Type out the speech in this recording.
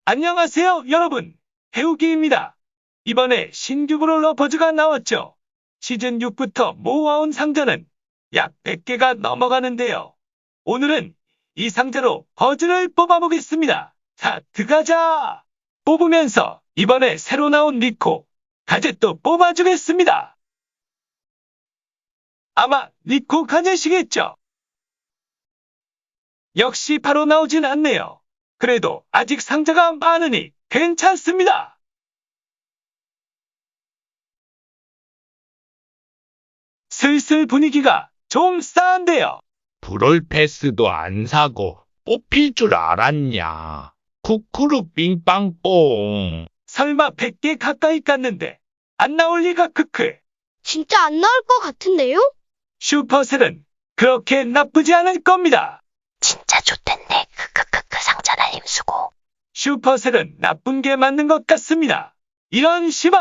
안녕하세요, 여러분. 해우기입니다. 이번에 신규 브롤러버즈가 나왔죠. 시즌 6부터 모아온 상자는 약 100개가 넘어가는데요. 오늘은 이 상자로 버즈를 뽑아보겠습니다. 자, 들어가자. 뽑으면서 이번에 새로 나온 니코, 가젯도 뽑아주겠습니다. 아마 니코 가젯이겠죠? 역시 바로 나오진 않네요. 그래도 아직 상자가 많으니 괜찮습니다. 슬슬 분위기가 좀 싸한데요. 브롤 패스도 안 사고 뽑힐 줄 알았냐. 쿠쿠루 빙빵뽕. 설마 100개 가까이 깠는데 안 나올 리가 크크. 진짜 안 나올 것 같은데요? 슈퍼셀은 그렇게 나쁘지 않을 겁니다. 진짜 좋댔네. 크크크크 상자나 힘수고. 슈퍼셀은 나쁜 게 맞는 것 같습니다. 이런 시바